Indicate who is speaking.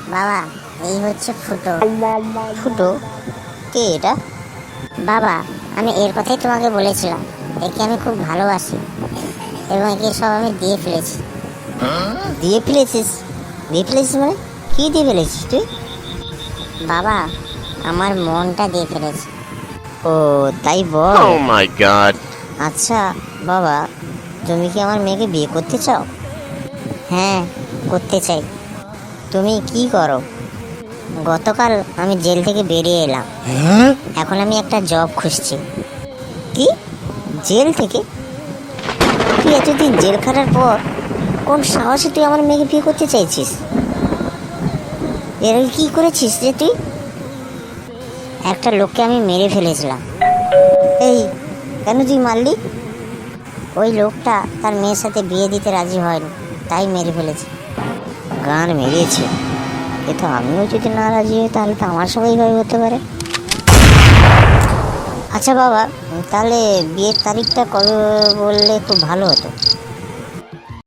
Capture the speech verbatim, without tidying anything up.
Speaker 1: বাবা, এই হচ্ছে ফুটো।
Speaker 2: ফুটো? কে এটা?
Speaker 1: বাবা, আমি এর কথাই তোমাকে বলেছিলাম। একে আমি খুব ভালোবাসি এবং একে সব আমি দিয়ে ফেলেছি।
Speaker 2: দিয়ে ফেলেছিস? দিয়ে ফেলেছিস মানে কি দিয়ে ফেলেছিস তুই?
Speaker 1: বাবা, আমার মনটা দিয়ে ফেলেছি।
Speaker 2: ও তাই বল।
Speaker 3: Oh my god.
Speaker 2: আচ্ছা বাবা, তুমি কি আমার মেয়েকে বিয়ে করতে চাও?
Speaker 1: হ্যাঁ, করতে চাই।
Speaker 2: তুমি কি করো?
Speaker 1: গতকাল আমি জেল থেকে বেরিয়ে এলাম। এখন আমি একটা জব খুঁজছি।
Speaker 2: কি? জেল থেকে? তুই এতদিন জেল খাটার পর কোন সাহসে তুই আমার মেয়েকে বিয়ে করতে চাইছিস? এর আগে কি করেছিস যে তুই?
Speaker 1: একটা লোককে আমি মেরে ফেলেছিলাম।
Speaker 2: এই, কেন তুই মারলি?
Speaker 1: ওই লোকটা তার মেয়ের সাথে বিয়ে দিতে রাজি হয়নি, তাই মেরে ফেলেছে।
Speaker 2: গান মেরেছে? এ তো আমিও যদি না রাজি হই তাহলে তো আমার সবাই ভয় হতে পারে। আচ্ছা বাবা, তাহলে বিয়ের তারিখটা কবে বললে খুব ভালো হতো।